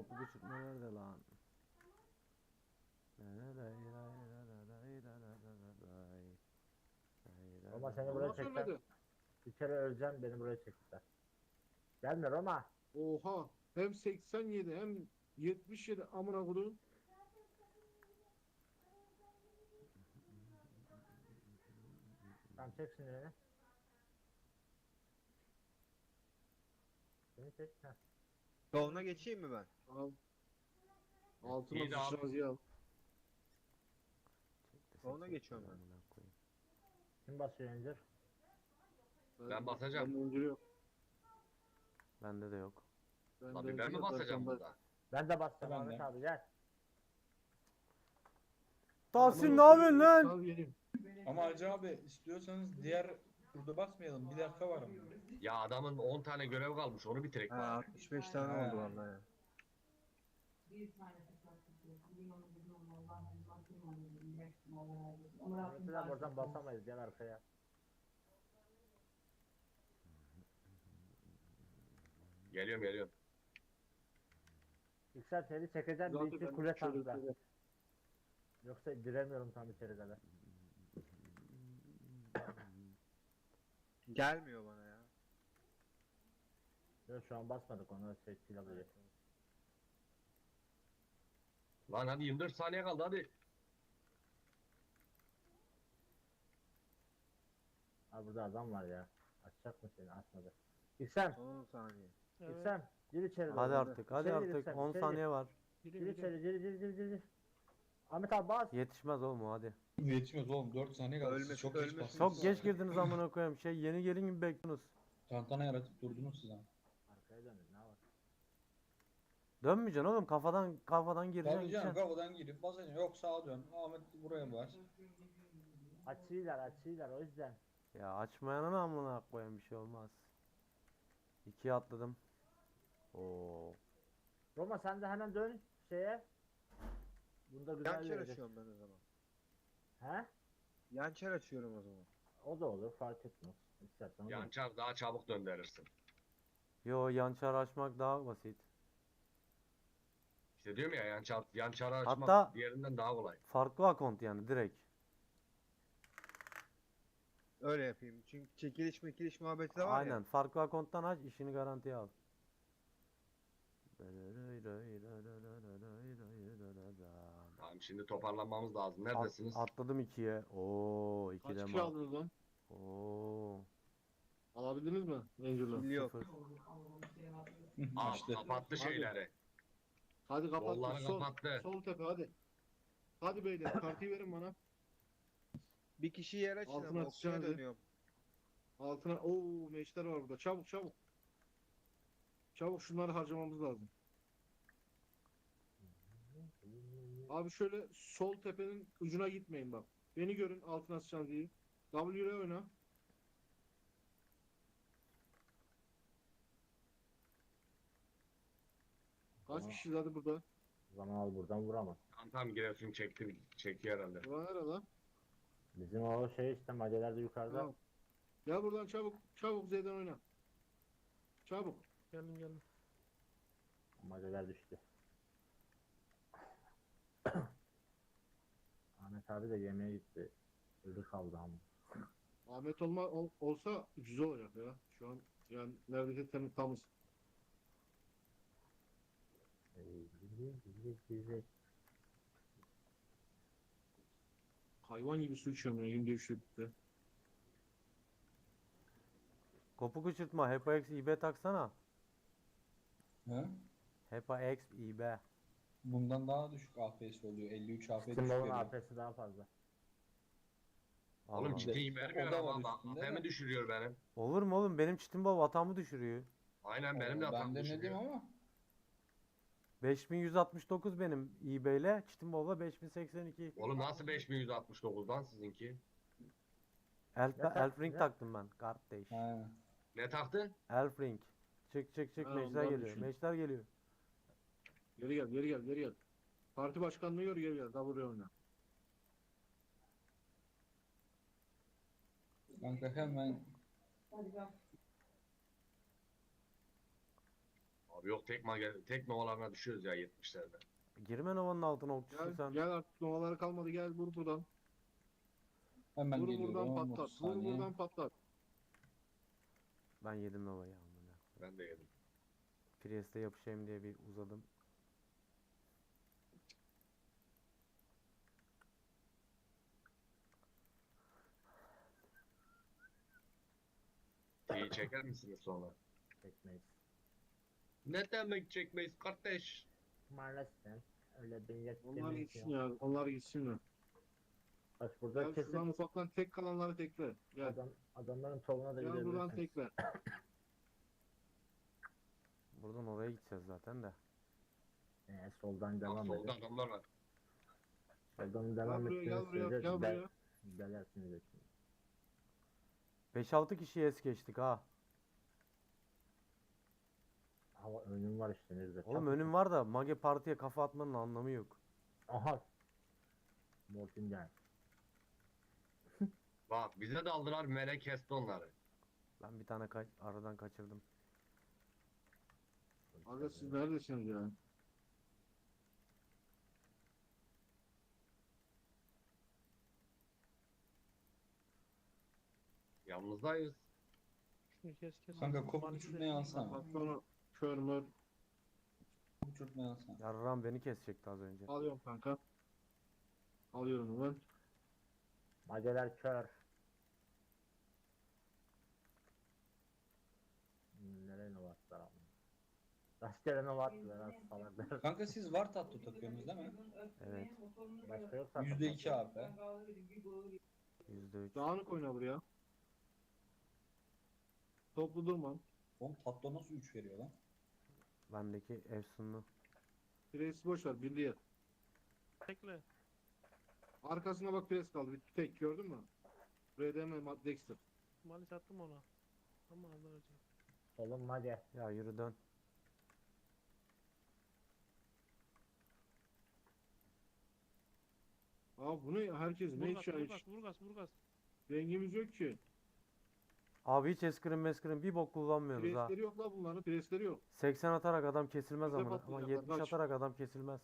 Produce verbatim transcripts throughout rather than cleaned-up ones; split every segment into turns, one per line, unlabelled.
Topu düşürtme nerede lan?
Roma seni buraya
Allah
çeksen
söylemedi.
bir kere öleceğim, beni buraya çektiler. Gelme Roma.
Oha. Hem seksen yedi hem yetmiş yedi amına koyduğum.
Tamam çek şimdi beni. Beni çek. Heh.
Soluna geçeyim mi ben?
Al. Altına
İyi de abi.
sıçrazı al.
Soluna geçiyorum ben.
Kim basıyor Encir?
Ben basacağım.
Ben öncülü yok.
Bende de yok.
Ben
Lan
de
bir ben mi
öncülü yok,
basacağım
ben-
burada?
Ben de bastım
Ben
Ahmet
de.
abi gel.
Tahsin ne yapıyorsun lan?
Al geleyim.
Ama Hacı abi istiyorsanız diğer turda basmayalım. Bir dakika var ama.
Ya adamın on tane görev kalmış onu bitirek
Ha,
bari.
altmış beş tane
Ha.
oldu vallahi ya.
Ahmet'e buradan basamayız, gel arkaya.
Geliyorum geliyorum.
Yüksel seni çekeceğim, bir
Zaten
iki
ben
kule
şöyle
tankla.
şöyle-
Yoksa giremiyorum tam içeride de.
Gelmiyor bana ya.
Yok şu an basmadık ona şey pilavı.
Lan hadi yirmi dört saniye kaldı hadi.
Abi burada adam var ya. Açacak mı seni? Açmadı. Yüksel,
on saniye.
Yüksel. Gir içeri doğru.
Hadi artık, hadi
İçeri gir
artık.
Yüksel,
on
içeri
saniye var.
Gir, gir içeri, gir, gir, gir, gir, gir. Ahmet abi bas.
Yetişmez oğlum o, hadi.
Yetmez oğlum. dört saniye kaldı. Siz
Ölmesin,
çok geç
ölmesin.
bastınız.
Çok geç girdiniz amına koyayım. Şey yeni gelin gibi bekliyorsunuz.
Tantana yaratıp durdunuz siz ama.
Arkaya dönün, ne var?
Dönmeyeceksin oğlum, kafadan kafadan gireceksin
Tabii canım
gideceksin.
kafadan girip basacaksın. Yok sağa dön. Ahmet buraya bas.
Açıylar, açıylar o yüzden.
Ya açmayana amına koyayım, bir şey olmaz. İkiye atladım. Oo.
Roma sen de hemen dön şeye. Bunda güzel
Yançer
verecek.
açıyorum ben o zaman.
He?
Yançer açıyorum o zaman.
O da olur, fark etmez. İstersen o da olur.
Yançar daha çabuk döndürürsün.
Yo, yançar açmak daha basit.
İşte diyorum ya yançar, yançarı açmak
Hatta-
diğerinden daha kolay.
Farklı akont yani, direkt.
Öyle yapayım. Çünkü çekiliş mekiliş muhabbeti de var
Aynen,
ya.
farklı akonttan aç, işini garantiye al.
Tamam şimdi toparlanmamız lazım.
At-
Neredesiniz?
atladım ikiye. Oo,
Kaç
ikide
kişi
mi?
aldınız lan?
Oo,
Alabildiniz mi? Angel'ı.
Kill yok.
sıfır.
Aa,
işte.
kapattı şeyleri.
Hadi kapat.
Kolları
Sol,
kapattı.
sol tepe hadi. Hadi beyler kartıyı verin bana.
Bir kişi yer açın
Altına
ama okçuya
atacağız ya.
dönüyorum.
Altına ooo meşler var burada. Çabuk çabuk. Çabuk şunları harcamamız lazım. Abi şöyle sol tepenin ucuna gitmeyin bak. Beni görün altına sıçan diye. W'ye oyna. Kaç
Tamam.
kişi hadi burada?
O zaman al buradan vuramaz.
Tam tam Giresun çekti, çekiyor herhalde.
Ulan nerede lan?
Bizim o şey işte madeler de yukarıda.
Tamam. Gel buradan çabuk. Çabuk Z'den oyna. Çabuk.
Gelin gelin.
Madeler düştü. Ahmet abi de yemeğe gitti. Ölü kaldı ama.
Ahmet olma ol- olsa güzel olacak ya. Şu an yani neredeyse temiz tamız. Hayvan gibi su içiyorum ya günde üç litre.
Kopuk uçurtma, HepaX İB taksana.
He?
HepaX İB.
Bundan daha düşük A P S oluyor. elli üç A P S düşük
Steam'in
veriyor.
A P'si daha fazla.
Oğlum
Allah.
ciddi vermiyor
O da var
ama
üstünde
A P M
de.
düşürüyor benim.
Olur mu oğlum, benim çitim baba hatamı düşürüyor.
Aynen benim de
Oo,
hatam
ben denedim
düşürüyor.
ama.
beş bin yüz altmış dokuz benim İB ile, çitim baba beş bin seksen iki.
Oğlum nasıl beş bin yüz altmış dokuzdan sizinki?
Elf,
Ne tak-
Elf Ring
ne?
taktım ben kardeş.
He.
Ne taktın?
Elf Ring. Çık çık çık,
Ha,
meşler
ondan
geliyor.
düşün.
Meşler geliyor.
Geri gel geri gel geri gel. Parti başkanlığı gör geri gel. W'ye oyna.
Kanka hemen
Abi yok tek mage, tek novalarına düşüyoruz ya yetmişlerde.
Girme Nova'nın altına okçusun
Gel,
sen.
gel artık novaları kalmadı, gel vur buradan.
Hemen
Vur
geliyorum.
buradan
otuz
patlat. Vur
saniye.
buradan patlat.
Ben yedim Nova'yı amına.
Ben de yedim.
Priest'e yapışayım diye bir uzadım.
T'yi çeker misiniz sonra?
Çekmeyiz.
Ne demek çekmeyiz kardeş?
Maalesef. Öyle bir
Onlar
yetkimiz
gitsin
yok.
ya. Onlar gitsin ya.
Bak burada
Gel
kesin
şuradan ufaktan tek kalanları tekle. Gel.
adam, adamların tavuğuna da
Gel buradan
gidebilirsiniz.
tekle.
Buradan oraya gideceğiz zaten de.
Ee, soldan
Bak
devam
solda
edin.
adamlar var.
Soldan
Gel
devam
buraya, gel
ettiğiniz
buraya,
sürece
gel
del-
buraya.
delersiniz hepsini.
beş altı kişiyi es geçtik ha.
Hava önüm var işte nerede?
Oğlum önüm var da Mage Parti'ye kafa atmanın anlamı yok.
Aha. Mortingen.
Bak bize daldılar melek kesti onları.
Ben bir tane kaç aradan kaçırdım.
Aga siz neredesiniz ya?
Yalnızdayız.
Şunu kes kes.
Kanka kop
Maalesef.
uçurtmayı alsana.
Patronu kör mör.
Kop uçurtmayı alsana.
Yarram beni kesecekti az önce.
Alıyorum kanka. Alıyorum ben.
Mageler kör. Hmm, Nereye ne attılar ama. Rastgele ne attılar ha salaklar.
Kanka siz var tatlı takıyorsunuz değil mi?
Evet.
Başka yok zaten.
yüzde iki A P.
yüzde üç.
Dağınık oyna buraya. Toplu durma.
Oğlum tatlı nasıl üç veriyor lan?
Bendeki efsunlu.
Presi boş ver. Birliğe yat.
Tekle.
Arkasına bak, pres kaldı. Bir tek gördün mü? R D M Dexter.
Maalesef attım ona. Ama alacağım.
Solun mage.
Ya yürü dön.
Aa bu ne? Herkes ne
Vurgas
iş ya
vurgas
hiç?
vurgas vurgas.
Rengimiz yok ki.
Abi hiç eskrim meskrim bir bok kullanmıyoruz ha.
Presleri yok la bunların. Presleri yok.
seksen atarak adam kesilmez
Bize
ama. Ama
patlayacaklar,
yetmiş
kaç.
atarak adam kesilmez.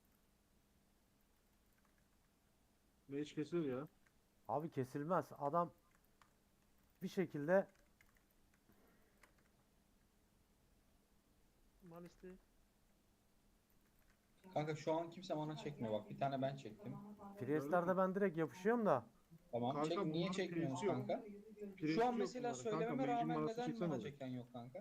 Mage kesilir ya.
Abi kesilmez. Adam bir şekilde
Maalesef.
Kanka şu an kimse bana çekmiyor bak. Bir tane ben çektim.
Priest'lerde ben direkt yapışıyorum da.
Tamam.
Kanka,
Çek, niye
bunların
çekmiyorsunuz
presi yok.
kanka?
Presi
Şu an
yok
mesela
bunların. Kanka,
söylememe
mage'in
rağmen
manası
neden
çeksen
bana
olur.
çeken yok kanka?
Ya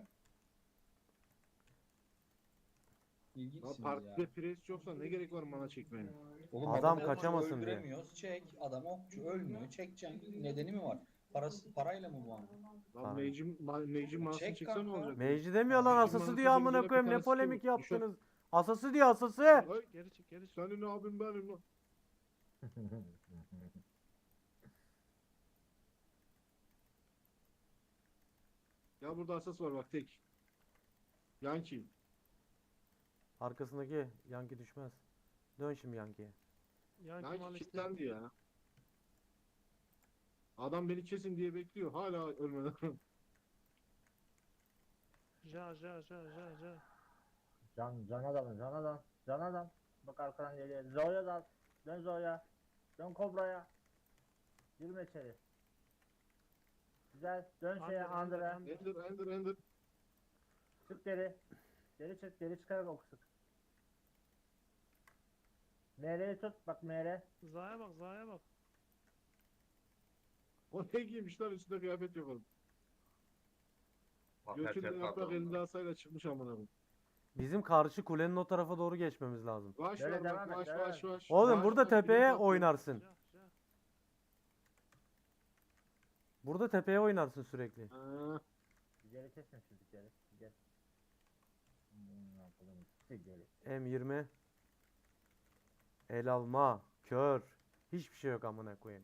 İlginçsiniz
partide
ya.
pres yoksa ne gerek var mana çekmeye?
Oğlum
Adam
adamı
kaçamasın diye.
öldüremiyoruz. Çek. Adam okçu ölmüyor. Çekeceksin. Nedeni mi var? Parası, parayla mı bu ama?
Lan
Aynen.
mage'in ma- mage'in manasını
Çek
çeksen ne
kanka.
olacak?
Mage demiyor lan,
Bizim
asası
manası
diyor amına
üzerinde
koyayım,
bir
ne
tanesi
polemik
yok. Düşün.
yaptınız. Asası diyor, asası.
Ay,
Geri çık geri çık.
senin abin benim lan. Ya burada asas var bak, tek. Yankee.
Arkasındaki Yankee düşmez. Dön şimdi Yankee'ye.
Yani
Yankee
maalesef.
kilitlendi ya. Adam beni kesin diye bekliyor. Hala ölmeden.
Ja ja ja ja ja.
Can, can adamı, can adam, can adam. Bak arkadan geliyor. Zoya da, dön Zoya. Dön Kobra'ya. Girme içeri. Güzel, dön şeye
Under, under,
Andra.
under.
Ender, ender, ender.
Çık geri. Geri çık, geri çıkarak ok sık. M R'yi tut, bak M R.
Zaya bak Zaya bak.
O ne giymiş lan, üstünde kıyafet yok oğlum.
Bak
Götünde
herkes
yaprak
kaldı
elinde
onlar.
asayla çıkmış amına koyayım.
Bizim karşı kulenin o tarafa doğru geçmemiz lazım.
Vaş
Böyle
var
devam
bak,
et,
vaş
devam
vaş
et.
vaş.
Oğlum
Vaş,
burada
vaş, birini
tepeye
patlıyor.
oynarsın.
Ja ja.
Burada tepeye oynarsın sürekli.
Ha,
Geri kesin çocukları. Gel. Hmm, ne yapalım? Çık geri.
M yirmi. El alma. Kör. Hiçbir şey yok amına koyayım.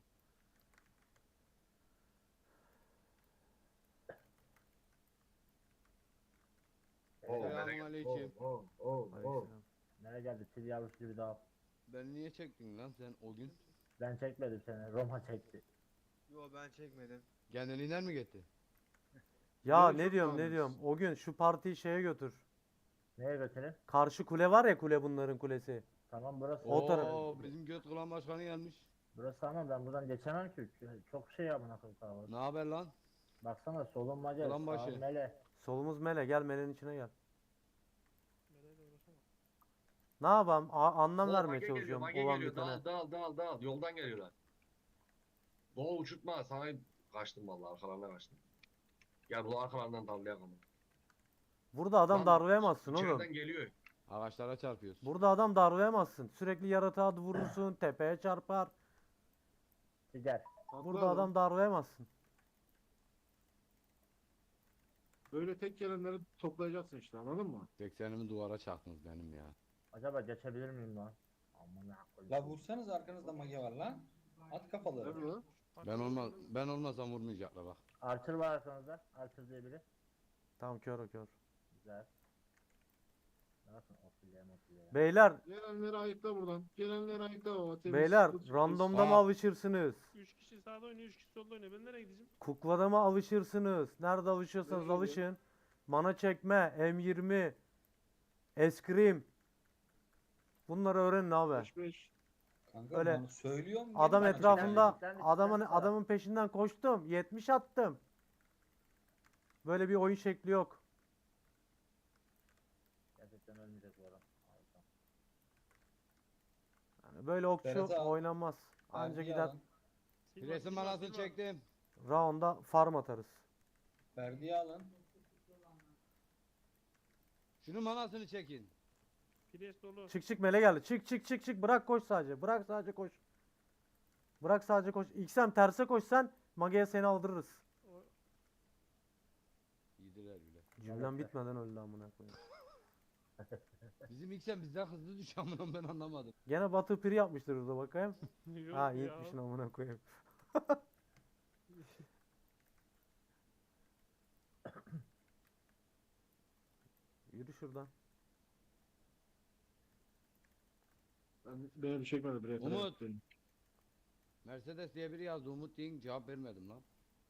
Oo, melek.
Selamünaleyküm.
Oo, oo, oo, oo.
Aleykümselam.
Nereye geldi? Fil yavrusu gibi daha.
Ben niye çektin lan sen o gün?
Ben çekmedim seni. Roma çekti.
Yo ben çekmedim. Kendiliğinden mi gitti?
Ya
Böyle
ne
çok
diyorum ne
namus.
diyorum. O gün şu partiyi şeye götür.
Neye götüreyim?
Karşı kule var ya, kule bunların kulesi.
Tamam burası.
O taraf-
Oo, bizim göt kılan başkanı gelmiş.
Burası ama ben buradan geçemem ki. Çok şey amına koyayım kalabalık.
Ne haber lan?
Baksana solun Macar,
Ulan başı.
sağın Mele.
Solumuz mele, gel melenin içine gel.
Meleğiyle uğraşamam.
Ne yapayım? A- anlam
Oo,
vermeye
Mage geliyor,
çalışıyorum
Mage
olan
geliyor.
bitene.
Dal, dal, dal, dal. Yoldan geliyorlar. Doğu uçurtma. Sana kaçtım vallahi. Arkalarına kaçtım. Gel bu arkalarından dallayalım ama.
Burada adam
Lan,
darlayamazsın oğlum.
İçeriden geliyor.
Ağaçlara çarpıyorsun.
Burada adam darlayamazsın. Sürekli yaratığa vurursun, tepeye çarpar.
Gider.
Haklı
Burada adam darlayamazsın.
Böyle tek gelenleri toplayacaksın işte, anladın mı?
seksenimi duvara çaktınız benim ya.
Acaba geçebilir miyim lan? Amına koyayım.
La vursanız arkanızda mage var lan. At kafaları.
Değil mi?
Ben olmaz ben olmasam vurmayacaklar bak.
Archer var arkanızda. Archer diye biri.
Tamam, kör o kör.
Güzel. Ne yapın? Ofile mofile.
Beyler,
Gelenleri ayıkla buradan. Gelenleri ayıkla baba. temiz,
beyler
temiz,
randomda mı
Aa.
alışırsınız?
Üç kişi sağda oynuyor, üç kişi solda oynuyor. Ben nereye gideceğim?
Kuklada mı alışırsınız? Nerede alışıyorsanız
Nereye
alışın. Mana çekme, M yirmi, eskrim. Bunları öğrenin abi.
beş beş.
Kanka
Öyle.
bunu söylüyorum. gel
Adam
bana
etrafında
çekme. Sen de-
adamın
sen de-
adamın peşinden koştum. yetmiş attım. Böyle bir oyun şekli yok.
Gerçekten ölmeyecek bu adam. Harika.
Yani böyle okçu
Berat abi.
oynanmaz. Anca
Verdiği
gider
alan.
Silva,
Presin
Silva,
manasını
Silva.
çektim.
round'a farm atarız.
Verdiği alın.
Şunun manasını çekin.
Pires dolu.
Çık çık mele geldi. Çık çık çık çık. Bırak koş sadece. Bırak sadece koş. Bırak sadece koş. İksem terse koşsan Mage'ye seni aldırırız.
O-
Yediler bile.
Cümlem bitmeden öldü amına koyayım.
Bizim iksen bizden hızlı düşüyor amına ben anlamadım.
Gene Batı piri yapmıştır orada bakayım.
Yok
Ha
ya.
yetmişin amına koyayım. Yürü şuradan.
Ben, beni bir çekmedi buraya kadar.
Umut. Mercedes diye biri yazdı. Umut deyin cevap vermedim lan.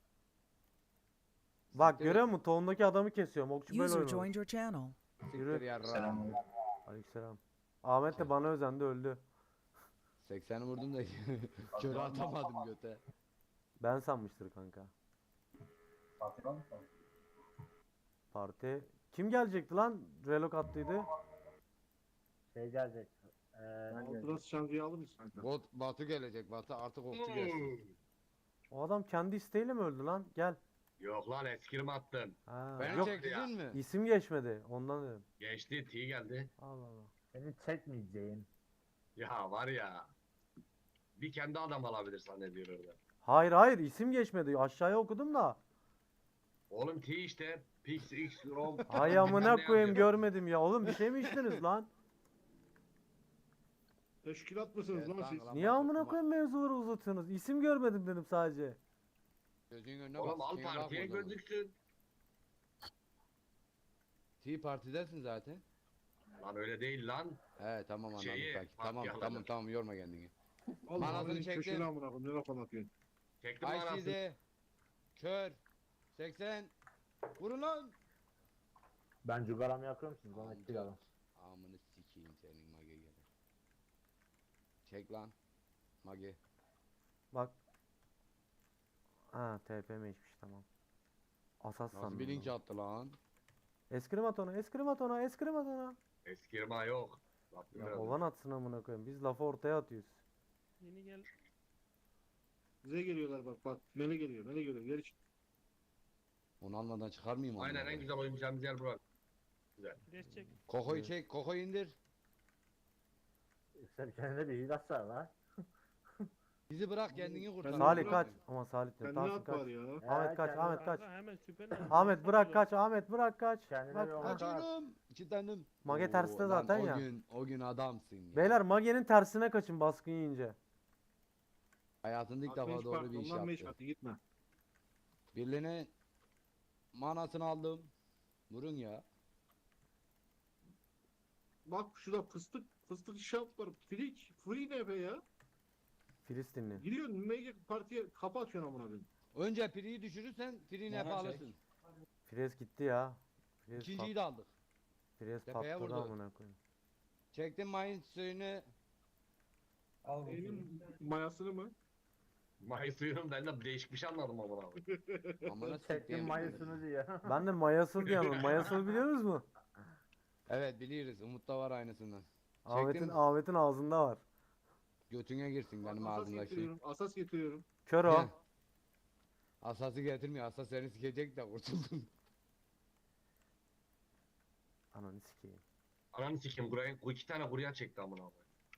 Bak
Siktir
görüyor
et.
musun? Tohumdaki adamı kesiyorum. Okçu böyle
User
oynuyor.
joined your channel.
Siktir
Yürü.
yarra.
Aleykümselam. Ahmet de bana özendi, öldü.
sekseni vurdum da körü atamadım göte.
Ben sanmıştır kanka.
Patron.
Parti. Kim gelecekti lan? Relok attıydı.
Şey gelecek. Ee,
Altına sıçancıyı alır mısın kanka?
Bot, Batu gelecek. Batu artık okçu gelsin.
O adam kendi isteğiyle mi öldü lan? Gel.
Yok lan eskirim attın.
Ha,
Beni
yok
çektin mi?
isim geçmedi. Ondan dedim.
Geçti T geldi.
Allah Allah.
seni çekmeyeceğim.
Ya var ya. Bir kendi adam alabilir zannediyor orada.
Hayır hayır, isim geçmedi. Aşağıya okudum da.
Oğlum T işte. Pix X Rom.
Ay amına koyayım, görmedim ya. Oğlum bir şey mi içtiniz lan?
Teşkilat mısınız
Evet,
lan
kanka
siz?
lan.
Niye amına koyayım mevzuları uzatıyorsunuz? İsim görmedim dedim sadece.
Gözünün önüne bak.
Oğlum al
sikeyim,
partiye
bakma o zaman.
gözüksün.
Tea Parti'desin zaten.
Lan öyle değil lan.
He tamam anladım
Şeyi,
kanki.
bak
Tamam
yalanır.
tamam tamam yorma kendini.
Allah
Manasını
benim
çektim.
köşeni amına koyayım. Ne laf anlatıyorsun?
Çektim anasını.
I C D. Kör. seksen. Vurun lan.
Ben cugaramı yakıyorum siz bana
Amca.
kill alın.
Amını sikeyim senin mage gelir. Çek lan. Mage.
Bak. Ha T P M'ymiş, tamam. Asas
Nasıl
sandım.
bir link
lan.
attı lan?
Eskrim at ona, eskrim at ona, eskrim at ona.
Eskirma yok. Bak,
Ya
biraz-
olan atsın amına koyayım. Biz lafı ortaya atıyoruz.
Yeni gel.
Bize geliyorlar bak bak. Mele geliyor. Mele geliyor. Geri çık.
Onu almadan çıkar mıyım?
Aynen
amına
en güzel oynayacağımız yer burası.
Pires çek.
Kokoyu
Evet.
çek, Kokoyu indir.
Sen kendine bir hile atsana lan.
Bizi bırak kendini kurtar.
Ben-
Salih
bırak.
kaç. Ama Salih de.
Kendine
Tahsin
at
kaç.
var ya.
Ahmet
He,
kaç,
kendine-
Ahmet kaç.
Kanka hemen süper.
Ahmet bırak kaç, Ahmet bırak kaç.
Kendine
Bak,
bir
ha.
omuz at.
Kaçıyorum. Kilitlendim.
Mage
Oo,
terste
lan
zaten
o
ya.
Gün, o gün adamsın ya.
Beyler Mage'nin tersine kaçın baskın yiyince.
Hayatında ilk
Atma
defa
hiç
doğru
bak,
bir iş
ondan beş
yaptı.
attı, gitme.
Birliğine manasını aldım. Vurun ya.
Bak şurada fıstık fıstık şap var. Free, free ne be ya?
Filistinli.
Gidiyorsun mega partiye kapı atıyorsun amına koyayım.
Önce Pri'yi düşürürsen Pri'ni hep
Bana
alırsın.
çek.
Fires gitti ya. Fires
İkinciyi de aldık.
Pires
Tepeye
patladı
vurdu.
amına koyayım.
Çektim mayın suyunu.
Al bakayım.
Benim mayasını mı?
May suyunun ben de değişik bir şey anladım ama abi.
Amına
Çektim
siktiğim.
mayısını diye.
Ben de mayasıl diyorum. Mayasıl biliyor musunuz mu?
Evet biliyoruz. Umut'ta var aynısından.
Ahmet'in
Çektim.
Ahmet'in ağzında var.
Götüne girsin benim
Asas
ağzımdaki.
getiriyorum. Asas getiriyorum.
Kör o.
Gel. Asası getirmiyor. Asas seni sikecek de kurtuldun.
Ananı sikeyim.
Ananı sikeyim buraya bu iki tane buraya çekti amına abi.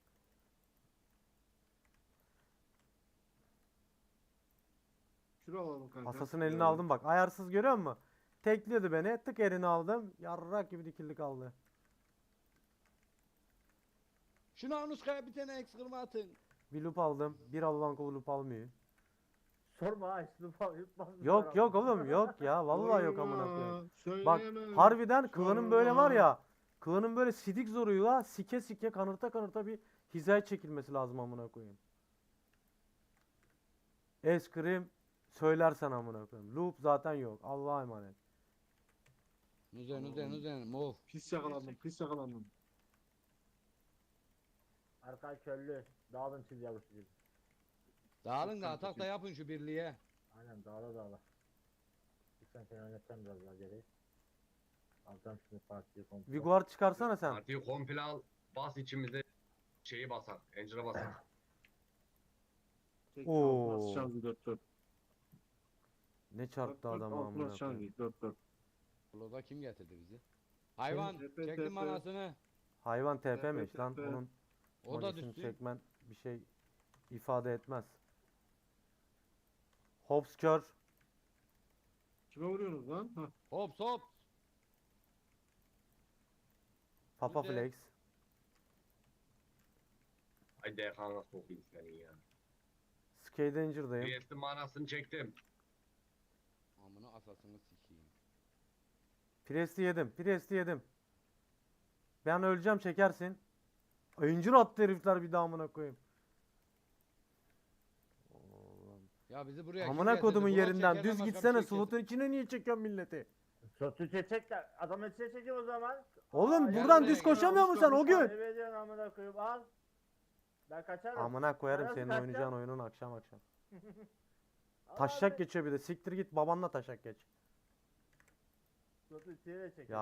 Şunu alalım kanka.
Asasın elini aldım bak. Ayarsız görüyor musun? Tekliyordu beni. Tık elini aldım. Yarrak gibi dikildi kaldı.
Şunu Anuska'ya bir tane eks kırma atın.
Bir loop aldım. Bir Allah'ın kulu loop almıyor.
Sorma ha işte falan yutmaz.
Yok yok oğlum yok ya. Vallahi yok amına koyayım. Bak
Söyleyemem.
harbiden klanın böyle var
Sorma.
ya. Klanın böyle sidik zoruyla sike sike kanırta kanırta bir hizaya çekilmesi lazım amına koyayım. Eskrim söylersen amına koyayım. Loop zaten yok. Allah'a emanet.
Nuzen nuzen nuzen. Mov.
Pis yakalandım. Pis yakalandım.
Arkay köllü. Dağılın çiz yavrusu gibi.
Dağılın da
Çok
atak da
kötü.
yapın şu birliğe.
Aynen dağla dağla. Lütfen seni oynatacağım biraz daha geri. Alacağım şimdi partiyi komple.
Viguar çıkarsana sen.
Partiyi komple al. Bas içimize şeyi basar. Engine'a basar.
Tek
Oo.
altına sıçan dört dört.
Ne çarptı adam
Altına
amına
sıçan
koyayım.
dört dört.
Bloda kim getirdi bizi? Hayvan
Tepe,
çektim
tepe.
manasını.
Hayvan T P
Tepe,
miş lan.
tepe.
Onun
O da
manisini
düştü.
çekmen bir şey ifade etmez. Hobbs kör.
Kime vuruyorsunuz lan? Hah.
Hop hop.
Papa
Güzel.
Flex.
Ay D K'na sokayım seni ya.
Skate Danger'dayım.
B S'in manasını çektim.
Amına asasını sikeyim.
Priest'i yedim. Priest'i yedim. Ben öleceğim çekersin. Incir attı herifler bir daha amına koyayım. Oğlum.
Ya bizi buraya kim
Amına
getirdi?
kodumun
Blok
yerinden
çekerden
düz
başka bir
gitsene
şey kesin.
slotun içine niye çekiyorsun milleti?
Sotu çek de adam içine çekiyor o zaman.
Oğlum
Aa,
gel
buradan
buraya,
düz
gel.
koşamıyor musun sen o gün?
Ne veriyorsun amına koyayım al. Ben kaçarım.
Amına koyarım
Nasıl
senin
kaçacağım?
oynayacağın oyunun akşam akşam.
Al
Taşak
abi.
geçiyor bir de. Siktir git babanla taşak geç.
Sotu içine çekiyor.
Ya